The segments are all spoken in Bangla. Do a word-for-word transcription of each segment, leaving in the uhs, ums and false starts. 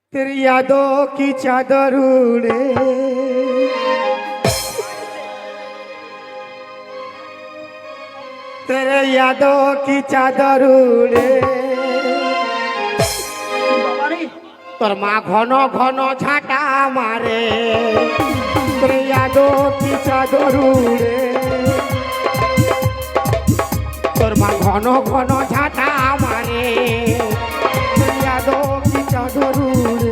तेरी यादों की चादर उड़े तेरे यादों की चादर उड़े তোর মা ঘন ঘন ঝাঁটা মারে তোর यादों की चादर उड़े তোর মা ঘন ঘন ঝাঁটা মারে তোর यादों की चादर उड़े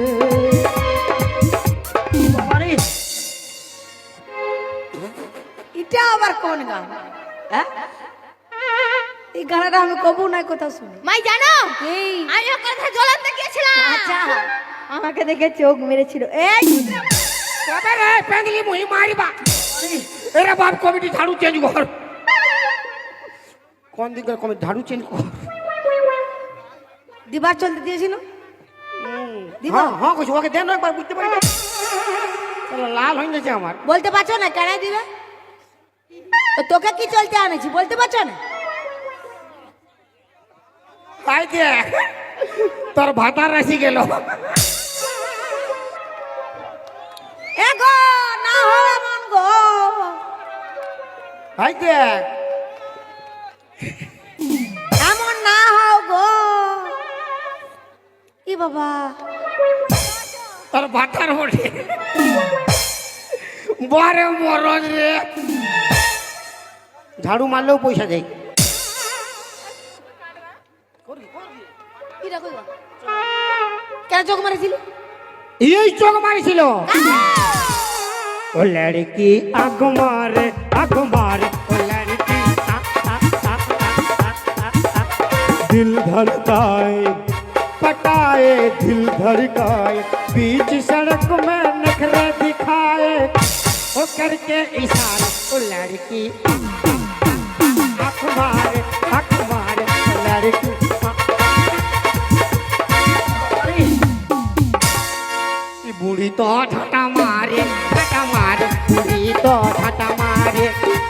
এটা আবার কোন গান? হ্যাঁ, এই গানটা আমি কবু নাই কোথাও শুনি। মাই জানো এই আমি ওর কথা জ্বলাতে গিয়েছিলাম। আচ্ছা, আমাকে দেখে চোখ মেরেছিল। এই কবে রে পেঙ্গলি মুই মারিবা এরা বাপ কমিটি ঝাড়ু চেঞ্জ কর কোন দিকে কমিটি ঝাড়ু চেঞ্জ কর দিবার চলতে দিয়েছিল। দিবা? হ্যাঁ হ্যাঁ কইছো ওকে দেন একবার বুঝতে পারি চলো লাল হয়ে গেছে আমার বলতে পারছো না কেন দিবে? তো তোকে কি চলতে আনেছি বলতে পারছো না? তাই দে তোর ভাতার রাশি গেল এ গো না হো এমন গো। তাই দে এমন না হও গো। ই বাবা, তোর ভাতার ওঠে বরে মরজ রে ঝাড়ু মারলেও পয়সা দেয় কি রাখো কেন চোখ মারেছিলি? এই চোখ মারিছিল ও লড়কি আগ মারে আগ মারে ও লড়কি আ, আ, আ, আ, আ, আ, আ। दिल धड़काए पटाए दिल धड़काए बीच सड़क में नखरे दिखाए ओ करके इशारा ओ लड़की आँख मारे आँख मारे ओ लड़की बुढ़ी तो ठाटा मारे ठाटा मारे बुढ़ी तो ठाटा मारे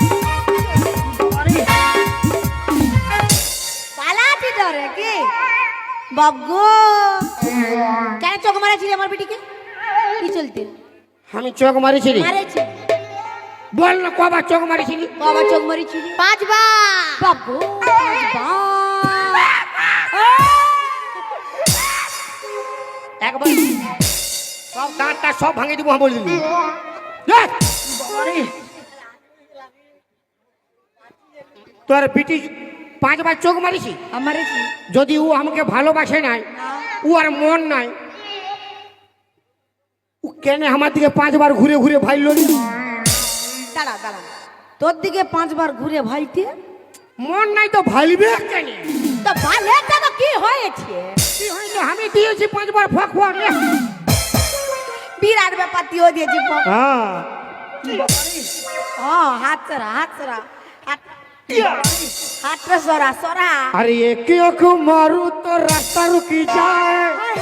পালাতে ধরে কি বাবগো? কেন চোখ মারেছিলি আমার বিটিকে? কি চলতে আমি চোখ মারিছিলি মারেছি? বল না কবার চোখ মারিছিলি বাবা চোখ মারিছিলি পাঁচবার বাবগো একবার সব দাঁতটা সব ভাঙে দিব বলে দিবি তোর বিটি পাঁচবার চোখ মারিছি আমারেছি যদি ও আমাকে ভালোবাসে নাই ও আর মন নাই ও কেন আমার দিকে পাঁচবার ঘুরে ঘুরে ভাইল দাঁড়া দাঁড়া, তোর দিকে পাঁচবার ঘুরে ভাইতে মন নাই তো ভাইলবে কেন তো ভালেটা তো কি হয়েছে? কি হইলো আমি দিয়েছি পাঁচবার ফক ফক বিরাট ব্যাপার তুইও দিয়েছি হ্যাঁ ও হাত সরা হাত সরা হাত হাতটা সরা সরা। अरे एक आँख मारू तो रास्ता रुकी जाए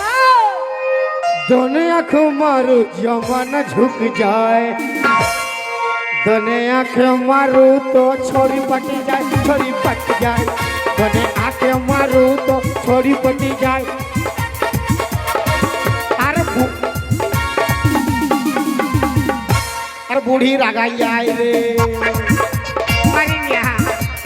दोनों आँख मारू जमाना झुक जाए दोनों आँख मारू तो छोड़ी पटी जाए छोड़ी पट जाए दोनों आँख मारू तो छोड़ी पटी जाए अरे बु- अरे बूढ़ी रागाई आए रे मारी यहाँ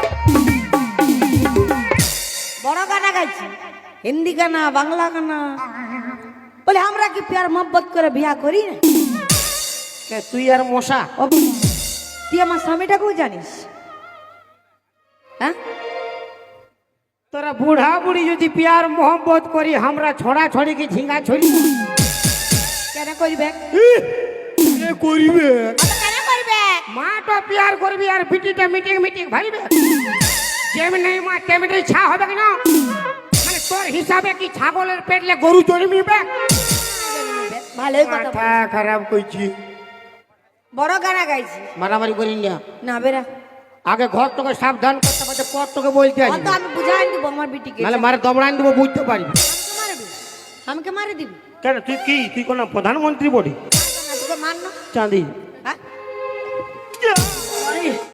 বড় গানা গাইছি, হিন্দি গানা বাংলা গানা বলে আমরা কি প্যার মোহব্বত করে বিয়া করি না? কে তুই আর মশা ও, তুই আমার স্বামীটাকেও জানিস? হ্যাঁ, তোরা বুড়া বুড়ি যদি প্যার মোহব্বত করি আমরা ছড়া ছড়ি কি ঝিঙ্গা ছড়ি কেন করবে? করিবে কেন করবে? মা তো প্যার করবি আর বিটিটা মিটিং মিটিং ভাইবে যেমনি মা তেমনি ছা হবে কেন মানে তোর হিসাবে কি ছাগলের পেটলে গরু জন্মিবে ভালোই কথা বল। মাথা খারাপ কইছি বড় গানা গাইছি মারামারি করি না না বেরা, আগে ঘর তোকে সাবধান করতে পারছে পর তোকে বলতে আসি অত আমি বুঝাই দিব আমার বিটিকে। নাহলে মারে দমড়ান দেবো বুঝতে পারবি আমাকে মারবি? আমাকে মারে দিবি? কেন তুই কি তুই কোন প্রধানমন্ত্রী বলি তোকে মার না? চাঁদি হ্যাঁ